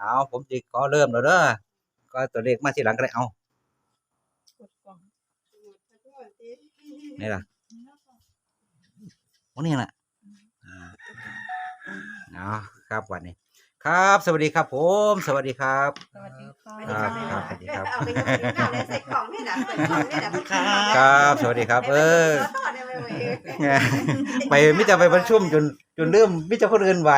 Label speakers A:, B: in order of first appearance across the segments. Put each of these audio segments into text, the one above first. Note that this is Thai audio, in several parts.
A: เอาผมสิขอเริ่มแล้วเด้อก็ตัวเลขมาทีหลังก็ได้เอานี่ล่ะโอ้นี่ล่ะเอาครับวันนี้ครับสวัสดีครับผมสวัสดีครับ
B: สวัสดีค่ะ
A: ครับสวัสดีครับ
C: เอาไปยกนิ้วหน้าเลยใส่กล่องนี่นะใส่กล่องนี่นะ
A: ครับสวัสดีครับ ไปมิจะไปประชุมจนเริ่มมิจะคนอื่นไหว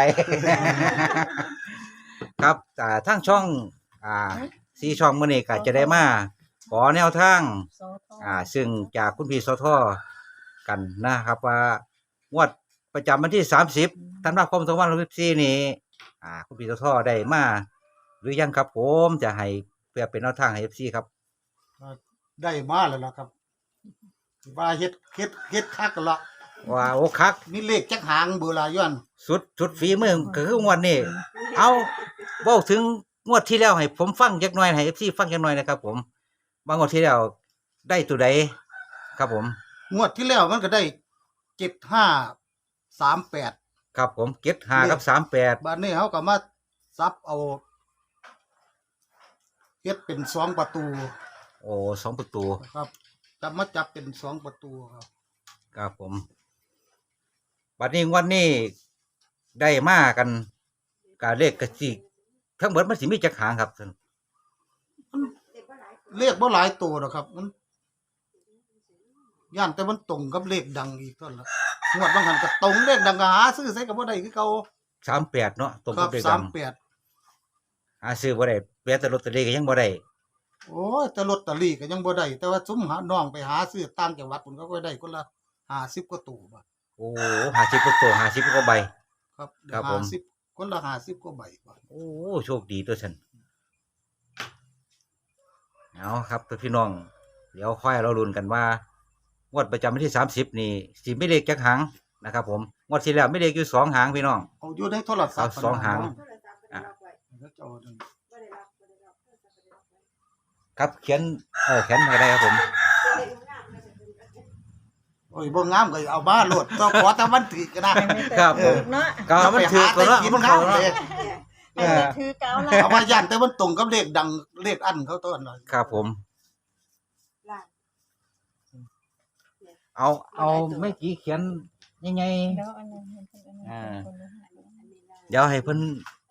A: ครับทั้งช่องซีช่องมื้อนี้ก็จะได้มาขอแนวทาง
B: โซทอ
A: ซึ่งจากคุณพี่สทกันนะครับว่างวดประจำวันที่30ธันวาคม2564นี้คุณพี่สทได้มาหรือยังครับผมจะให้เพื่อเป็นแนวทางให้ FC ครับ
D: ได้มาแล้วล่ะครับว่าเฮ็ดคักกันละ
A: ว่าโอ้คัก
D: มีเลขจักหางเบอร์ลาย้อน
A: สุดฝีมือก็คืองวดนี้เอาเว้าถึงงวดที่แล้วให้ผมฟังจักหน่อยให้ FC ฟังจักหน่อยนะครับผมว่างวดที่แล้วได้ตัวใดครับผม
D: งวดที่แล้วมันก็ได้7538
A: ครับผมเก็บ5กับ38
D: บัดนี้เฮาก็มาซับเอาเฮ็ดเป็น2ประตู
A: โอ้2ประตู
D: ครับจับมาจับเป็น2ประตูครับ
A: ครับผมบัดนี้งวันนี้ได้มากันกาเลขกะสิทั้งหมดมันสิมีจักหางครับท่าน
D: เลขบ่หลายตัวหรอกครับมันย่านแต่มันตรงกับเลขดังอีกเท่านั้นล่ะงวดบางหันก็ตรงเลขดังก็หาซื้อใส่ก็บ่ได้คือเก่า
A: 38เนาะตรง
D: ครั
A: กับบ เลขดัง
D: 38
A: หาซื้อบ่ได้แม้แต่ลอตเตอรี่ก็ยังบ่ได้
D: โอ้ยแต่ลอตเตอรี่ก็ยังบ่ได้แต่ว่าซุมหาน้องไปหาซื้อต่างจังหวัดพุ่นก็ได้คนละ50กว่าตู้บาท
A: โอ้50กว่าตัว50กว่าใบ
D: ครับ
A: ครับผม
D: 50คนละ50กว่าใบบาท
A: โอ้โชคดีตัวฉันเอาครับพี่น้องเดี๋ยวค่อยเราลุ้นกันว่างวดประจำวันที่30นี่สิมีเลขจักหางนะครับผมงวดที่แล้วมีเลขอยู่2หางพี่น้อง
D: เอาอยู่ในโทรศัพท์
A: เอาสองหาง
D: แล้วจะเอาอันนั้น
A: ครับเขียนเขียนอะไรครับผม
D: โอ้ยบ่งามก็เอามาโลดต้องขอแต่มันถือก็ได้
A: ครับผม
B: เนาะ
A: ก็มันถือตัวละมันเข้าเนาะ
B: ให้มันถือเกาละ
D: เอามาย่านแต่มันตรงกับเลขดังเลขอันเขาต้นหน่อย
A: ครับผม เอาไม่กี่เขียนยังไง
B: เดี๋ยวอันนั้นให้เพิ่นอันนั้นให้เพิ่น
A: เดี๋ยวให้เพิ่น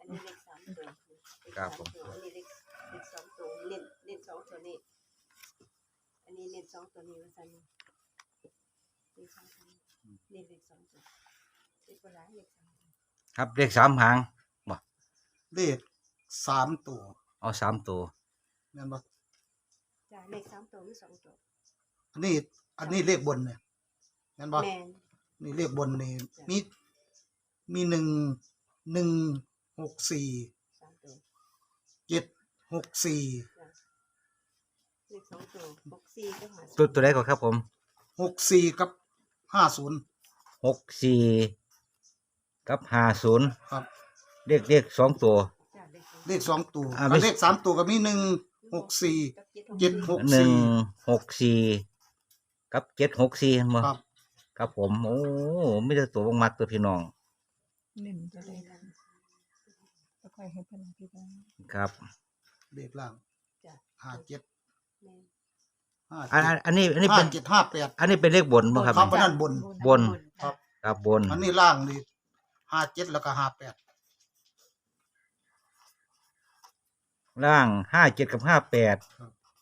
A: ครับผม
C: อันนี้เลขสองตัวเล่นสองตัวนี้อันนี้เล่นสองตัวนี้ว่าซั่นเลขสองตัวนี้เลขสองตัวเลขบ่หลายเลขสองตัว
A: ครับเลข3หาง
D: เลข3ตัว
A: เอา3ตัว
D: แม่นบ่
C: จ้ะเลขสามตัวมีสองตัว
D: อันนี้เลขบนเนี่ยแม่นบ่
C: แม่น
D: นี่เลขบนนี่มี1 164
C: สามตัว
D: 764
C: เลขสองตัว64ก็หา
A: ตัวใดก่อนครับผม
D: 64กับ50
A: 64กับ50
D: ครับ
A: เลข2ตัว
C: จ้ะ
D: เลข2ตัว
A: ไม่
D: เลข3ตัวก็มี164
A: 164กับ764บ่
D: ครับ
A: ครับผมโอ้มีแต่ตัวมักตัวพี่น้อง
B: เล่นจะได้ค่ะแล้วค่อยให้เพิ่นอธิบาย
A: ครับ
D: เลขล่าง
C: จ้ะ
D: 57
C: แม่น
A: อันนี้เป็น
D: 5758
A: อันนี้เป็นเลขบนบ่ครับ
D: ครับอันนั้นบน
A: บน
D: ครับ
A: ครับบน
D: อันนี้ล่างนี่57แล้วก็58
A: ล่าง57กับ58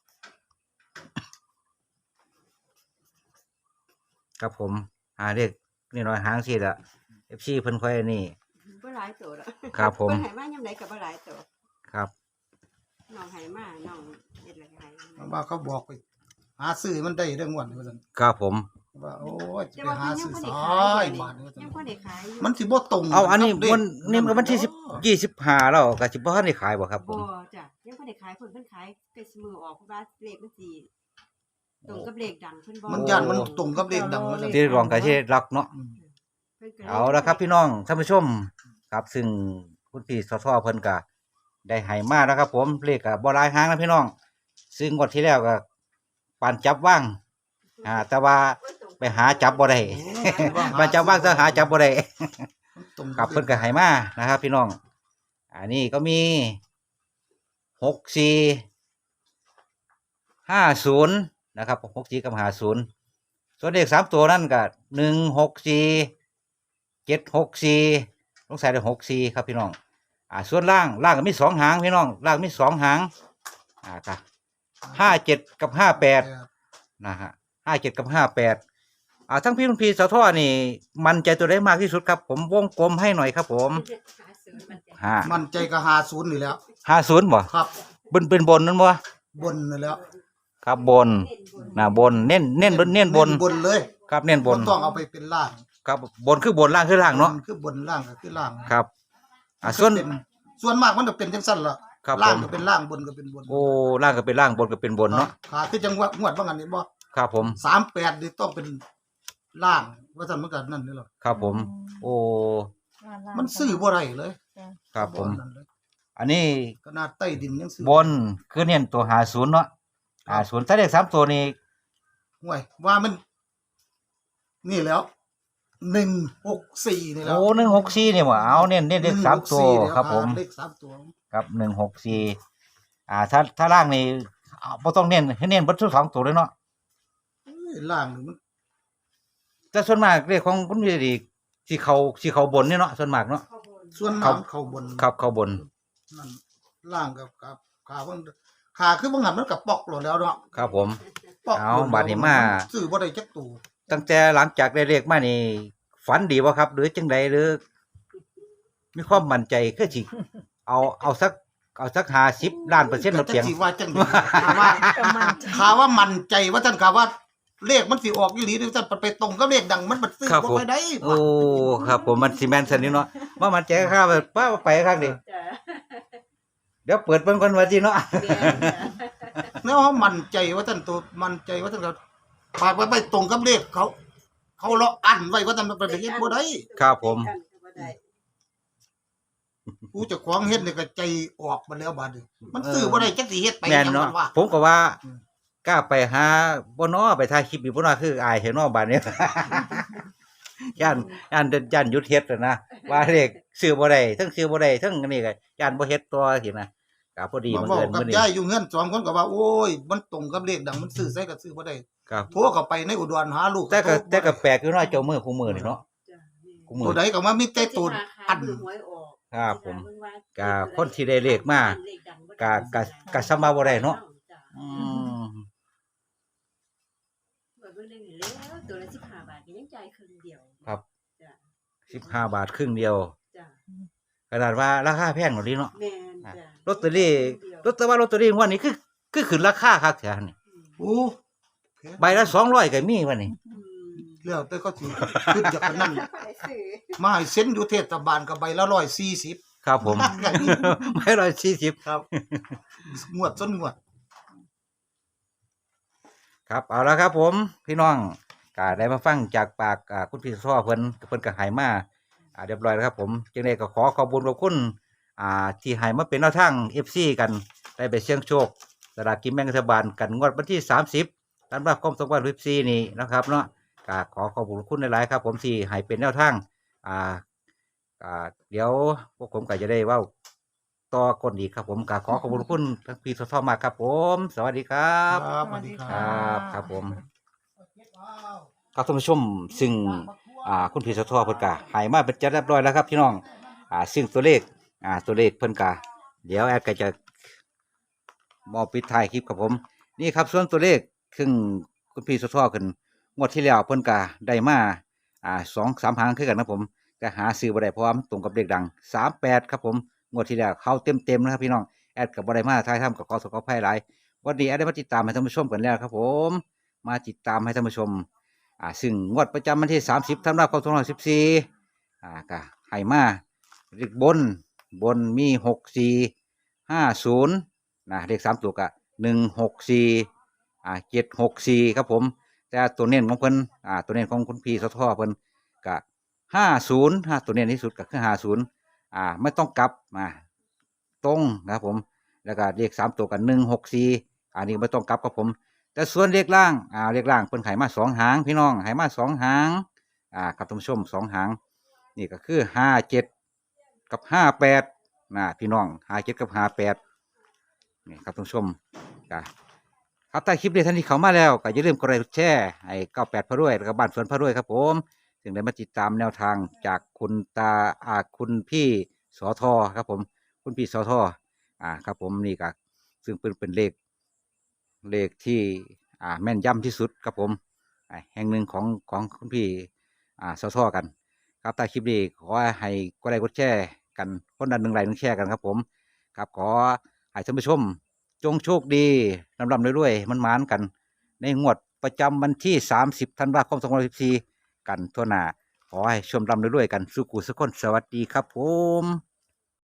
A: ครับผมเลขนี่น้อยหางสิล่ะ FC เพิ่นค่อยนี่
C: บ่หลายตัวดอก
A: ครับผม
C: เพิ่นให้มายามใดก็บ่หลายตัว
A: ครับ
C: น้องให้มาน้องเฮ็ดอะไรให้
D: ว่าเขาบอกไปหาซื้อมันได้เรื่องวันว่าซั่น
A: ครับผม
D: ว่าโอ้ยจะ
C: แต่
D: ไป
C: ว่า
D: หา
C: เพิ่นยัง
D: ซื้อ
C: บ่
D: ซ
C: ได้
D: อ
C: ขาย
D: ยบาทว่าซั่
C: ยั
D: น
C: งบ่ได้ขายอยู่
D: มันสิบ่ตรง
A: เอาอันนี้
D: กับเลข
A: วันที่25แล้วก็สิบ่ทันได้ขายบ่ครับผ
C: บ่
A: ม
C: จ้ะยังบ่ได้ขายเพิ่นขายใกล้สิมือออกเพราะว่าเลขมันสิตรงกับเลขดังเพิ่นบ่
D: มันย่านมันตรงกับเลขดังว่าซั่น
A: ที่รองก็สิรักเนาะ
D: อืม
C: เพิ่นก็ย
A: เอาละครับพี่น้องท่านผู้ชมครับซึ่งคุณพี่สทเพิ่นก็ได้ให้มาแล้วครับ ผมเลขก็บ่หลายหางนะพี่น้องซึ่งงวดที่แล้วก็ปานจับว่างแต่ว่าไปหาจับบ่ได้ ปานจับว่างแต่หาจับบ่ได้
D: มันตรง
A: ครับเพิ่นก็ให้มานะครับ พี่น้องอันนี้ก็มี 6450นะครับ64กับ50ส่วนเลข3ตัวนั่นก็164 764ต้องใส่ได้64ครับพี่น้องส่วนล่างก็มี2หางพี่น้องล่างมี2หางก็57กับ58นะฮะ57กับ58ทั้งพี่ลุงพีสะท้อนี่มันใจตัวได้มากที่สุดครับผมวงกลมให้หน่อยครับผม
D: มันใจก็50นี่แหล้ว
A: 50บ่
D: ครับ
A: เป็นบนนั่นบ่
D: บนนี่แหล้ว
A: ครับบนบนเน้นบน
D: บนเลย
A: ครับเน้นบน
D: บ่ต้องเอาไปเป็นล่าง
A: ครับบนคือบนล่างคือล่างเนาะ
D: บคือบนล่างก็คือล่าง
A: ครับส่วน
D: เป็นส่วนมากมันจะเป็นจังซั่นล่ะ
A: ครับ
D: ล่าง
A: ผม
D: ก็เป็นล่างบนก็เป็นบน
A: โอ้ล่างก็เป็นล่างบนก็เป็นบนเนาะ
D: ขาคือจังหวะงวดว่างั้นนี่บ่
A: ครับผม
D: 38นี่ต้องเป็นล่างว่าซั่นมันก็นั่นนี่หรอ
A: ครับผม โอ้
D: มันซื้อบ่ได้เลย
A: ครับผม
D: นั่นเลย
A: อันนี้
D: ขนาดใต้ดินยังซื้
A: บนคือเน้นตัว50เนาะ50ถ้าเลข3ตัวนี้
D: ห่วยว่ามัน นี่แล้ว164นี่แล้ว
A: โอ้164นี่บ่เอาเน้นเลข3ตัวครับผม
D: เลข3ตัว
A: ครับ164ถ้าล่างนี่บ่ต้องเน้นให้เน้นเบิดทั้ง2ตัวเลยเนาะ
D: เอ้ยล่างนี่มัน
A: แต่ส่วนมากเลขของคุณพี่ดีสิเขาบนนี่เนาะส่วนมากเนาะ
D: ส่วน
A: ครั
D: มา
A: บ
D: กเข้าบน
A: ครับเขาบน
D: นั่นล่างกับขาเพิ่นขาคือบ่งั้นมันก็ปอกโลดแล้วเนาะ
A: ครับผม
D: ปอก
A: เอา
D: โลดแล้ว
A: บัดนี้มา
D: ซื้อบ่ได้จักตู่
A: ตั้งแต่หลังจากได้เลขมานี่ฝันดีบ่ครับ หรือจังใดหรือ มีความมั่นใจคือสิเอาสัก50ล้านเปอร์เซ็นต์ลดเพียง
D: จักสิว่าจังได๋ข่าวว่ามั่นใจว่าท่านข่าวว่าเลขมันสิออกอีหลีหรือท่านไปตรงกับเลขดังมันบ่ซื้อ
A: ครับ
D: บ่
A: ผม
D: ค่อยได้
A: โอ้ครับผมมันสิแม่นซั่นนี่เนาะว่ามั่นใจครับป้าไปครับดิ
C: จ้ะ
A: เดี๋ยวเปิดเบิ่งก่อนว่าสิเนาะ
C: แม่นจ้ะ
D: แนวว่ามั่นใจว่าท่านตัวมั่นใจว่าท่านก็ฝากไว้ไปตรงกับเลขเขาเลาะอันไว้ว่าท่านมันไปเฮ็ดบ่ได้
A: ครับผม
C: กันก็บ่ได้
D: ผู้เจ้าของเฮ็ดนี่ก็ใจออกมาแล้วบัดนี้มันซื้อบ่ได้จักสิเฮ็ดไป
A: แม่น
D: หยัง
A: เนาะ
D: มันว่า
A: ผมก็ว่า
D: อืม
A: กล้าไปหาบ่เนาะไปถ่ายคลิปอยู่บ่เนาะคืออายเห็นเนาะบัดนี้ ย่านหยุดเฮ็ดน่ะนะว่าเลขซื้อบ่ได้ทั้งซื้อบ่ได้ทั้งอันนี้ก็ย่านบ่เฮ็ดต่อสินะก็พอดี
D: มา
A: มัน
D: เว้า
A: เอิ้น
D: กับ
A: มื้อนี้
D: ยายอยู่เฮือนสองคนก็ว่าโอ้ยมันตรงกับเลขดังมันซื้อใส่ก็ซื้อบ่ได้
A: ครับ
D: โทรเข้าไปในอุดรหาลูก
A: แต่ก็
D: โทรบ่ได้
A: แปลกอยู่เนาะเจ้ามือคู่มือนี่เนาะ
C: จ้ะแม่น
A: คู่มื
D: ตั
A: อ
D: วใดก็ว่ามีแต่ตัวอัน
C: หวยออก
A: ครับผม
C: เวลา
A: ก็คนที่ได้เลขมาก็สำมาบ่ได้เนาะ
C: จ้ะ
A: อืม
C: เปิดเบิ่งได้นี่แล้วตัวละ15บาทก็ยังจ่ายครึ่งเดียว
A: ครับ
C: จ้ะ
A: 15 บาทครึ่งเดียว
C: จ้ะ
A: ขนาดว่าราคาแพงกว่านี้เนาะ
C: แม่นจ้ะ
A: ลอตเตอรี่ลอตเตอรี่งวดนี้คือขึ้นราคาคักแท้นี่
D: โอ้
A: ใบละ200ก็มีวะนี่
C: อืม
D: แล้วแต่เขาสิขึ้นจากนั้น
C: ไปซื้อ
D: มาให้เซ็นอยู่เทศบาลก็ใบละ140
A: ครับผม ไม่140
D: ครับ งวดต้นงวด
A: ครับเอาละครับผมพี่น้องก็ได้มาฟังจากปากคุณพี่ซ้อเพิ่นก็ให้มาเรียบร้อยแล้วครับผมจังได๋ก็ขอขอบคุณที่ให้มาเป็นแนวทาง FC กันได้ไปเสี่ยงโชคสลากกินแบ่งรัฐบาลกันงวดวันที่30ธันวาคม2024นี้นะครับเนาะก็ขอขอบคุณหลายๆครับผมที่ให้เป็นแนวทางเดี๋ยวพวกผมก็จะได้เว้าต่อคนอีกครับผมก็ขอขอบคุณทั้งพี่ซ้อมากครับผม สวัสดีครับ
D: ครับสวัสดีค
A: ค
D: รั
A: รับผมครับท่านผู้ชมซึ่งคุณพี่สะท้อเพิ่นก็ให้มาเป็นจัดเรียบร้อยแล้วครับพี่น้องซึ่งตัวเลขเพิ่นก็เดี๋ยวแอดก็จะมอบปิดท้ายคลิปครับผมนี่ครับส่วนตัวเลขซึ่งคุณพี่สะท้อขึ้นงวดที่แล้วเพิ่นก็ได้มา2-3หางคือกันนะผมแต่หาซื้อบ่ได้เพราะว่ามันตรงกับเลขดัง38ครับผมงวดที่แล้วเข้าเต็มๆนะครับพี่น้องแอดก็บ่ได้มาถ่ายทำกับขออภัยหลายวันนี้แอดได้มาติดตามให้ท่านผู้ชมกันแล้วครับผมมาติดตามให้ท่านผู้ชมซึ่งงวดประจำวันที่30ธันวาคม2514ก็ให้มาเลขบนมี6450นะเลข3ตัวก็164764ครับผมแต่ตัวเน้นของเพิ่นตัวเน้นของคุณพี่สะท้อเพิ่นก็50ตัวเน้นที่สุดก็คือ50ไม่ต้องกลับตรงนะครับผมแล้วก็เลข3ตัวก็164อันนี้ไม่ต้องกลับครับผมแต่ส่วนเลขล่างเพิ่นให้มา2หางพี่น้องให้มา2หางครับท่านผู้ชม2หางนี่ก็คือ57กับ58พี่น้อง57กับ58 นี่ครับท่านผู้ชมก็ครับถ้าคลิปนี้ท่านที่เข้ามาแล้วก็อย่าลืมกดไลค์กดแชร์ให้98พระรวยแล้วก็บ้านสวนพระรวยครับผมถึงได้มาติดตามแนวทางจากคุณตาคุณพี่สอทอครับผมคุณพี่สอทอครับผมนี่ก็ซึ่งเป็นเลขที่แม่นยำที่สุดครับผมแห่งหนึ่งของคุณพี่สอทอกัน ครับถ้าคลิปนี้ขอให้กดไลค์กดแชร์กันคนละ1 ไลค์ 1 แชร์กันครับผมครับขอให้ท่านผู้ชมจงโชคดีลำรวยๆมันหมานกัน ในงวดประจำวันที่30ธันวาคม2014กันทั่วหน้าขอให้ชมรวยๆกันสุขุสุขคนสวัสดีครับผม